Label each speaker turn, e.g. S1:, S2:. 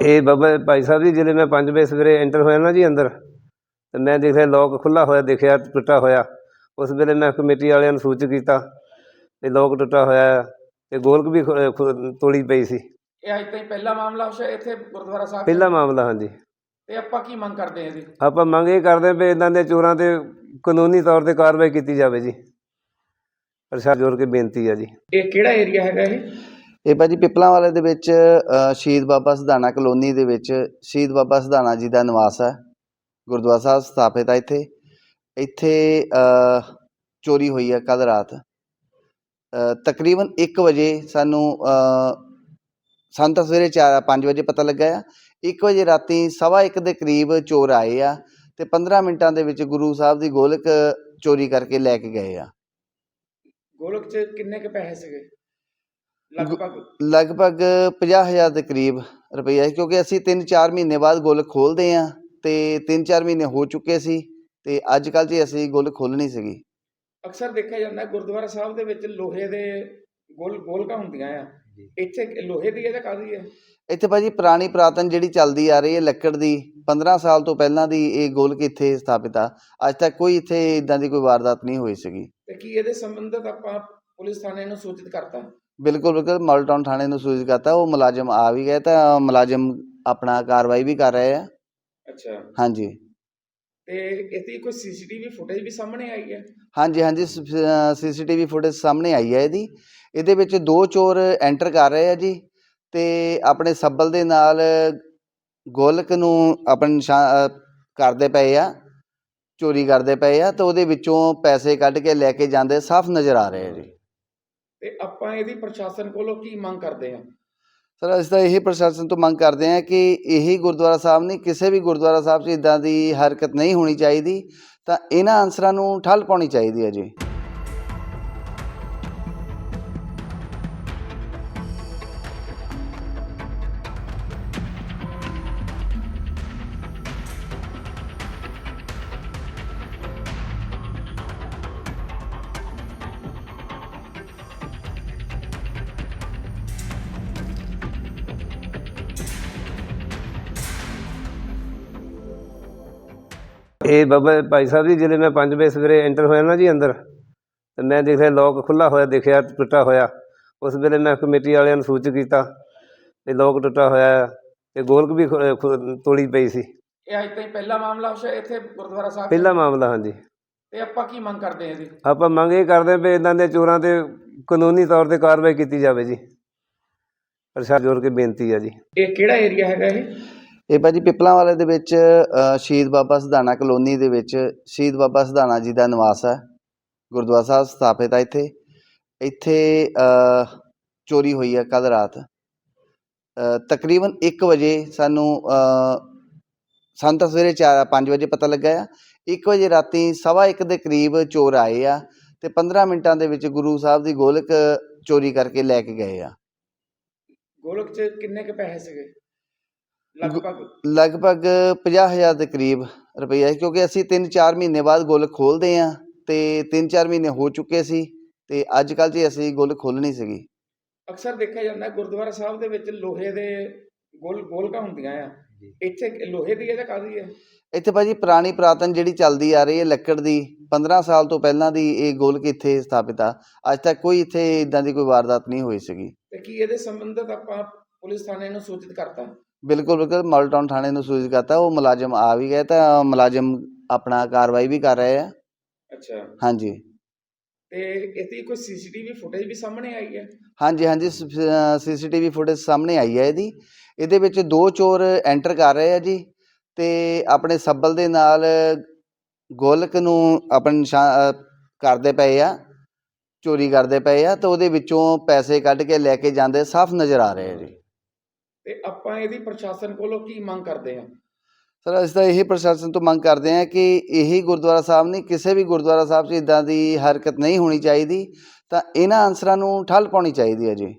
S1: ਇਹ ਬਾਬਾ ਭਾਈ ਸਾਹਿਬ ਜੀ, ਜਦੋਂ ਮੈਂ 5 ਵਜੇ ਸਵੇਰੇ ਐਂਟਰ ਹੋਇਆ ਨਾ ਜੀ ਅੰਦਰ, ਤੇ ਮੈਂ ਦੇਖਿਆ ਲੋਕ ਖੁੱਲ੍ਹਾ ਹੋਇਆ, ਦੇਖਿਆ ਟੁੱਟਾ ਹੋਇਆ। ਉਸ ਵੇਲੇ ਮੈਂ ਕਮੇਟੀ ਵਾਲਿਆਂ ਨੂੰ ਸੂਚਿਤ ਕੀਤਾ ਤੇ ਲੋਕ ਟੁੱਟਾ ਹੋਇਆ ਤੇ ਗੋਲਕ ਵੀ ਤੋੜੀ ਪਈ ਸੀ।
S2: ਇਹ ਅੱਜ ਤਾਈਂ ਪਹਿਲਾ ਮਾਮਲਾ ਇੱਥੇ ਗੁਰਦੁਆਰਾ ਸਾਹਿਬ
S1: ਪਹਿਲਾ ਮਾਮਲਾ। ਹਾਂਜੀ।
S2: ਤੇ ਆਪਾਂ ਕੀ ਮੰਗ ਕਰਦੇ ਹਾਂ ਜੀ?
S1: ਆਪਾਂ ਮੰਗ ਇਹ ਕਰਦੇ ਹਾਂ ਵੀ ਇੱਦਾਂ ਦੇ ਚੋਰਾਂ 'ਤੇ ਕਾਨੂੰਨੀ ਤੌਰ 'ਤੇ ਕਾਰਵਾਈ ਕੀਤੀ ਜਾਵੇ ਜੀ। ਪ੍ਰਸ਼ਾਸਨ ਜੋੜ ਕੇ ਬੇਨਤੀ ਹੈ ਜੀ।
S2: ਇਹ ਕਿਹੜਾ ਏਰੀਆ ਹੈਗਾ
S3: ਇਹ ਭਾਜੀ ਪਿੱਪਲਾਂ ਵਾਲੇ ਦੇ ਵਿੱਚ ਸ਼ਹੀਦ ਬਾਬਾ ਸਿਧਾਣਾ ਕਲੋਨੀ ਦੇ ਵਿੱਚ ਸ਼ਹੀਦ ਬਾਬਾ ਸਿਧਾਣਾ ਜੀ ਦਾ ਨਿਵਾਸ ਹੈ। ਗੁਰਦੁਆਰਾ ਸਾਹਿਬ ਸਥਾਪਿਤ ਹੈ ਇੱਥੇ ਚੋਰੀ ਹੋਈ ਹੈ ਕੱਲ੍ਹ ਰਾਤ। ਤਕਰੀਬਨ 1 ਵਜੇ ਸਾਨੂੰ ਤਾਂ ਸਵੇਰੇ 5 ਵਜੇ ਪਤਾ ਲੱਗਾ ਆ। 1 ਵਜੇ ਰਾਤੀ 1:15 ਦੇ ਕਰੀਬ ਚੋਰ ਆਏ ਆ ਤੇ 15 ਮਿੰਟਾਂ ਦੇ ਵਿੱਚ ਗੁਰੂ ਸਾਹਿਬ ਦੀ ਗੋਲਕ ਚੋਰੀ ਕਰਕੇ ਲੈ ਕੇ ਗਏ ਆ।
S2: ਗੋਲਕ 'ਚ ਕਿੰਨੇ ਕੁ ਪੈਸੇ ਸੀਗੇ?
S3: ਲਗਭਗ 50,000 ਦੇ ਕਰੀਬ ਰੁਪਈਆ, ਕਿਉਂਕਿ ਅਸੀਂ 3-4 ਮਹੀਨੇ ਬਾਅਦ ਗੋਲਕ ਖੋਲ੍ਹਦੇ ਹਾਂ ਤੇ 3-4 ਮਹੀਨੇ ਹੋ ਚੁੱਕੇ ਸੀ ਤੇ ਅੱਜ ਕੱਲ੍ਹ 'ਚ ਅਸੀਂ ਗੋਲਕ ਖੋਲ੍ਹਣੀ ਸੀਗੀ।
S2: ਅਕਸਰ ਦੇਖਿਆ ਜਾਂਦਾ ਗੁਰਦੁਆਰਾ ਸਾਹਿਬ ਦੇ ਵਿੱਚ ਲੋਹੇ ਦੇ ਗੋਲਕਾਂ ਹੁੰਦੀਆਂ ਆ। ਇੱਥੇ ਲੋਹੇ ਦੀ ਹੈ ਜਾਂ ਕਾਹਦੀ ਹੈ?
S3: ਇੱਥੇ ਭਾਜੀ ਪੁਰਾਣੀ ਪੁਰਾਤਨ ਜਿਹੜੀ ਚੱਲਦੀ ਆ ਰਹੀ ਹੈ ਲੱਕੜ ਦੀ, 15 ਸਾਲ ਤੋਂ ਪਹਿਲਾਂ ਦੀ ਇਹ ਗੋਲਕ ਇੱਥੇ ਸਥਾਪਿਤ ਆ। ਅੱਜ ਤੱਕ ਕੋਈ ਇੱਥੇ ਇੱਦਾਂ ਦੀ ਕੋਈ ਵਾਰਦਾਤ ਨਹੀਂ ਹੋਈ ਸੀਗੀ।
S2: ਤੇ ਕੀ ਇਹਦੇ ਸੰਬੰਧਿਤ ਆਪਾਂ ਪੁਲਿਸ ਥਾਣੇ ਨੂੰ ਸੂਚਿਤ ਕਰਤਾ?
S3: ਬਿਲਕੁਲ ਮਾਡਲ ਟਾਊਨ ਥਾਣੇ ਨੂੰ ਸੂਚਿਤ ਕਰਤਾ। ਉਹ ਮੁਲਾਜ਼ਮ ਆ ਵੀ ਗਏ ਤਾਂ ਮੁਲਾਜ਼ਮ ਆਪਣਾ ਕਾਰਵਾਈ ਵੀ ਕਰ ਰਹੇ ਆ।
S2: ਅੱਛਾ।
S3: ਹਾਂਜੀ।
S2: ਤੇ ਇਹਦੀ ਕੋਈ ਸੀਸੀਟੀਵੀ ਫੁਟੇਜ ਵੀ ਸਾਹਮਣੇ ਆਈ ਹੈ?
S3: ਹਾਂਜੀ ਸੀਸੀਟੀਵੀ ਫੁਟੇਜ ਸਾਹਮਣੇ ਆਈ ਹੈ ਇਹਦੇ ਵਿੱਚ 2 ਚੋਰ ਐਂਟਰ ਕਰ ਰਹੇ ਆ ਜੀ ਤੇ ਆਪਣੇ ਸੱਬਲ ਦੇ ਨਾਲ ਗੋਲਕ ਨੂੰ ਆਪਣੇ ਕਰਦੇ ਪਏ ਆ, ਚੋਰੀ ਕਰਦੇ ਪਏ ਆ ਤੇ ਉਹਦੇ ਵਿੱਚੋਂ ਪੈਸੇ ਕੱਢ ਕੇ ਲੈ ਕੇ ਜਾਂਦੇ ਸਾਫ਼ ਨਜ਼ਰ ਆ ਰਹੇ ਆ ਜੀ।
S2: ਤੇ ਆਪਾਂ ਇਹਦੀ ਪ੍ਰਸ਼ਾਸਨ ਕੋਲੋਂ ਕੀ ਮੰਗ ਕਰਦੇ ਹਾਂ?
S3: ਸਰ ਅਸੀਂ ਤਾਂ ਇਹੀ ਪ੍ਰਸ਼ਾਸਨ ਤੋਂ ਮੰਗ ਕਰਦੇ ਹਾਂ ਕਿ ਇਹੀ ਗੁਰਦੁਆਰਾ ਸਾਹਿਬ ਨਹੀਂ, ਕਿਸੇ ਵੀ ਗੁਰਦੁਆਰਾ ਸਾਹਿਬ 'ਚ ਇੱਦਾਂ ਦੀ ਹਰਕਤ ਨਹੀਂ ਹੋਣੀ ਚਾਹੀਦੀ, ਤਾਂ ਇਹਨਾਂ ਅਨਸਰਾਂ ਨੂੰ ਠੱਲ ਪਾਉਣੀ ਚਾਹੀਦੀ ਹੈ ਜੀ।
S1: ਇਹ ਬਾਬਾ ਭਾਈ ਸਾਹਿਬ ਜੀ, ਜਦੋਂ ਮੈਂ 5 ਵਜੇ ਸਵੇਰੇ ਐਂਟਰ ਹੋਇਆ ਨਾ ਜੀ ਅੰਦਰ, ਤੇ ਮੈਂ ਦੇਖਿਆ ਲੋਕ ਖੁੱਲ੍ਹਾ ਹੋਇਆ, ਦੇਖਿਆ ਟੁੱਟਾ ਹੋਇਆ। ਉਸ ਵੇਲੇ ਮੈਂ ਕਮੇਟੀ ਵਾਲਿਆਂ ਨੂੰ ਸੂਚਿਤ ਕੀਤਾ ਤੇ ਲੋਕ ਟੁੱਟਾ ਹੋਇਆ ਤੇ ਗੋਲਕ ਵੀ ਤੋੜੀ ਪਈ ਸੀ।
S2: ਇਹ ਅੱਜ ਤਾਈਂ ਪਹਿਲਾ ਮਾਮਲਾ ਇੱਥੇ ਗੁਰਦੁਆਰਾ ਸਾਹਿਬ?
S1: ਪਹਿਲਾ ਮਾਮਲਾ। ਹਾਂਜੀ।
S2: ਤੇ ਆਪਾਂ ਕੀ ਮੰਗ ਕਰਦੇ ਹਾਂ ਜੀ?
S1: ਆਪਾਂ ਮੰਗ ਇਹ ਕਰਦੇ ਹਾਂ ਵੀ ਇੱਦਾਂ ਦੇ ਚੋਰਾਂ 'ਤੇ ਕਾਨੂੰਨੀ ਤੌਰ 'ਤੇ ਕਾਰਵਾਈ ਕੀਤੀ ਜਾਵੇ ਜੀ। ਪ੍ਰਸ਼ਾਸਨ ਜੋੜ ਕੇ ਬੇਨਤੀ ਹੈ ਜੀ।
S2: ਇਹ ਕਿਹੜਾ ਏਰੀਆ ਹੈਗਾ
S3: ਇਹ ਭਾਜੀ ਪਿੱਪਲਾਂ ਵਾਲੇ ਦੇ ਵਿੱਚ ਸ਼ਹੀਦ ਬਾਬਾ ਸਿਧਾਣਾ ਕਲੋਨੀ ਦੇ ਵਿੱਚ ਸ਼ਹੀਦ ਬਾਬਾ ਸਿਧਾਣਾ ਜੀ ਦਾ ਨਿਵਾਸ ਹੈ। ਗੁਰਦੁਆਰਾ ਸਾਹਿਬ ਸਥਾਪਿਤ ਹੈ ਇੱਥੇ ਚੋਰੀ ਹੋਈ ਹੈ ਕੱਲ੍ਹ ਰਾਤ। ਤਕਰੀਬਨ 1 ਵਜੇ ਸਾਨੂੰ ਤਾਂ ਸਵੇਰੇ 5 ਵਜੇ ਪਤਾ ਲੱਗਾ ਆ। 1 ਵਜੇ ਰਾਤੀ 1:15 ਦੇ ਕਰੀਬ ਚੋਰ ਆਏ ਆ ਤੇ 15 ਮਿੰਟਾਂ ਦੇ ਵਿੱਚ ਗੁਰੂ ਸਾਹਿਬ ਦੀ ਗੋਲਕ ਚੋਰੀ ਕਰਕੇ ਲੈ ਕੇ ਗਏ ਆ।
S2: ਗੋਲਕ 'ਚ ਕਿੰਨੇ ਕੁ ਪੈਸੇ ਸੀਗੇ?
S3: ਲਗਭਗ 50,000 ਦੇ ਕਰੀਬ ਰੁਪਈਆ, ਕਿਉਂਕਿ ਅਸੀਂ 3-4 ਮਹੀਨੇ ਬਾਅਦ ਗੋਲਕ ਖੋਲ੍ਹਦੇ ਹਾਂ ਤੇ 3-4 ਮਹੀਨੇ ਹੋ ਚੁੱਕੇ ਸੀ ਤੇ ਅੱਜ ਕੱਲ੍ਹ 'ਚ ਅਸੀਂ ਗੋਲਕ ਖੋਲ੍ਹਣੀ ਸੀਗੀ।
S2: ਅਕਸਰ ਦੇਖਿਆ ਜਾਂਦਾ ਗੁਰਦੁਆਰਾ ਸਾਹਿਬ ਦੇ ਵਿੱਚ ਲੋਹੇ ਦੇ ਗੋਲਕਾਂ ਹੁੰਦੀਆਂ ਆ। ਇੱਥੇ ਲੋਹੇ ਦੀ ਹੈ ਜਾਂ ਕਾਹਦੀ ਹੈ?
S3: ਇੱਥੇ ਭਾਜੀ ਪੁਰਾਣੀ ਪੁਰਾਤਨ ਜਿਹੜੀ ਚੱਲਦੀ ਆ ਰਹੀ ਹੈ ਲੱਕੜ ਦੀ, 15 ਸਾਲ ਤੋਂ ਪਹਿਲਾਂ ਦੀ ਇਹ ਗੋਲਕ ਇੱਥੇ ਸਥਾਪਿਤ ਆ। ਅੱਜ ਤੱਕ ਕੋਈ ਇੱਥੇ ਇੱਦਾਂ ਦੀ ਕੋਈ ਵਾਰਦਾਤ ਨਹੀਂ ਹੋਈ ਸੀਗੀ।
S2: ਤੇ ਕੀ ਇਹਦੇ ਸੰਬੰਧਿਤ ਆਪਾਂ ਪੁਲਿਸ ਥਾਣੇ ਨੂੰ ਸੂਚਿਤ ਕਰਤਾ?
S3: ਬਿਲਕੁਲ ਮਾਡਲ ਟਾਊਨ ਥਾਣੇ ਨੂੰ ਸੂਚਿਤ ਕਰਤਾ। ਉਹ ਮੁਲਾਜ਼ਮ ਆ ਵੀ ਗਏ ਤਾਂ ਮੁਲਾਜ਼ਮ ਆਪਣਾ ਕਾਰਵਾਈ ਵੀ ਕਰ ਰਹੇ ਆ।
S2: ਅੱਛਾ।
S3: ਹਾਂਜੀ।
S2: ਤੇ ਇਹਦੀ ਕੋਈ ਸੀਸੀਟੀਵੀ ਫੁਟੇਜ ਵੀ ਸਾਹਮਣੇ ਆਈ ਹੈ?
S3: ਹਾਂਜੀ ਸੀਸੀਟੀਵੀ ਫੁਟੇਜ ਸਾਹਮਣੇ ਆਈ ਹੈ ਇਹਦੇ ਵਿੱਚ 2 ਚੋਰ ਐਂਟਰ ਕਰ ਰਹੇ ਆ ਜੀ ਤੇ ਆਪਣੇ ਸੱਬਲ ਦੇ ਨਾਲ ਗੋਲਕ ਨੂੰ ਆਪਣੇ ਕਰਦੇ ਪਏ ਆ, ਚੋਰੀ ਕਰਦੇ ਪਏ ਆ ਤੇ ਉਹਦੇ ਵਿੱਚੋਂ ਪੈਸੇ ਕੱਢ ਕੇ ਲੈ ਕੇ ਜਾਂਦੇ ਸਾਫ਼ ਨਜ਼ਰ ਆ ਰਹੇ ਆ ਜੀ।
S2: ਤੇ ਆਪਾਂ ਇਹਦੀ ਪ੍ਰਸ਼ਾਸਨ ਕੋਲੋਂ ਕੀ ਮੰਗ ਕਰਦੇ ਹਾਂ?
S3: ਸਰ ਅਸੀਂ ਤਾਂ ਇਹੀ ਪ੍ਰਸ਼ਾਸਨ ਤੋਂ ਮੰਗ ਕਰਦੇ ਹਾਂ ਕਿ ਇਹੀ ਗੁਰਦੁਆਰਾ ਸਾਹਿਬ ਨਹੀਂ, ਕਿਸੇ ਵੀ ਗੁਰਦੁਆਰਾ ਸਾਹਿਬ 'ਚ ਇੱਦਾਂ ਦੀ ਹਰਕਤ ਨਹੀਂ ਹੋਣੀ ਚਾਹੀਦੀ, ਤਾਂ ਇਹਨਾਂ ਅਨਸਰਾਂ ਨੂੰ ਠੱਲ ਪਾਉਣੀ ਚਾਹੀਦੀ ਹੈ ਜੀ।